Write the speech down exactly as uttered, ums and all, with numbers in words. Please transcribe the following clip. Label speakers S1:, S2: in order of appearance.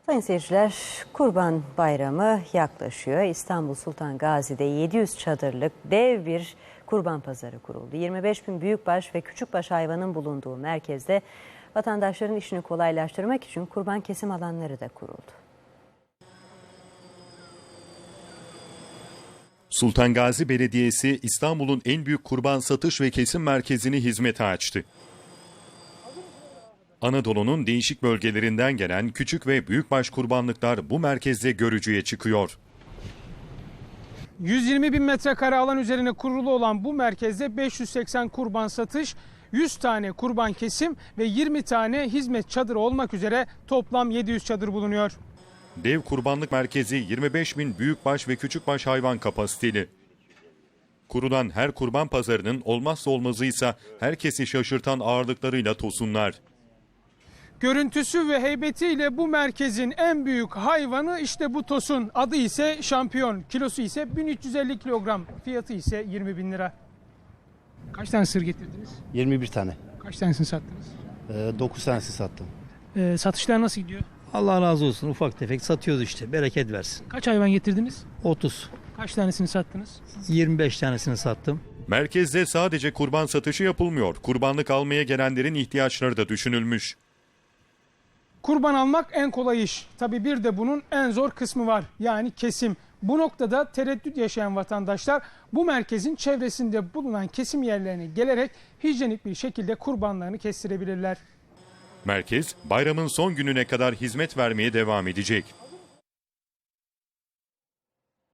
S1: Sayın seyirciler, Kurban Bayramı yaklaşıyor. İstanbul Sultan Gazi'de yedi yüz çadırlık dev bir kurban pazarı kuruldu. yirmi beş bin büyükbaş ve küçükbaş hayvanın bulunduğu merkezde vatandaşların işini kolaylaştırmak için kurban kesim alanları da kuruldu.
S2: Sultan Gazi Belediyesi İstanbul'un en büyük kurban satış ve kesim merkezini hizmete açtı. Anadolu'nun değişik bölgelerinden gelen küçük ve büyükbaş kurbanlıklar bu merkezde görücüye çıkıyor.
S3: yüz yirmi bin metrekare alan üzerine kurulu olan bu merkezde beş yüz seksen kurban satış, yüz tane kurban kesim ve yirmi tane hizmet çadırı olmak üzere toplam yedi yüz çadır bulunuyor.
S2: Dev kurbanlık merkezi yirmi beş bin büyükbaş ve küçükbaş hayvan kapasiteli. Kurulan her kurban pazarının olmazsa olmazıysa herkesi şaşırtan ağırlıklarıyla tosunlar.
S3: Görüntüsü ve heybetiyle bu merkezin en büyük hayvanı işte bu tosun. Adı ise şampiyon. Kilosu ise bin üç yüz elli kilogram. Fiyatı ise yirmi bin lira. Kaç tane sığır getirdiniz?
S4: yirmi bir tane.
S3: Kaç tanesini sattınız?
S4: Ee, dokuz tanesi sattım.
S3: Ee, satışlar nasıl gidiyor?
S4: Allah razı olsun, ufak tefek satıyoruz işte, bereket versin.
S3: Kaç hayvan getirdiniz?
S4: otuz.
S3: Kaç tanesini sattınız?
S4: yirmi beş tanesini sattım.
S2: Merkezde sadece kurban satışı yapılmıyor. Kurbanlık almaya gelenlerin ihtiyaçları da düşünülmüş.
S3: Kurban almak en kolay iş. Tabii bir de bunun en zor kısmı var. Yani kesim. Bu noktada tereddüt yaşayan vatandaşlar bu merkezin çevresinde bulunan kesim yerlerine gelerek hijyenik bir şekilde kurbanlarını kestirebilirler.
S2: Merkez bayramın son gününe kadar hizmet vermeye devam edecek.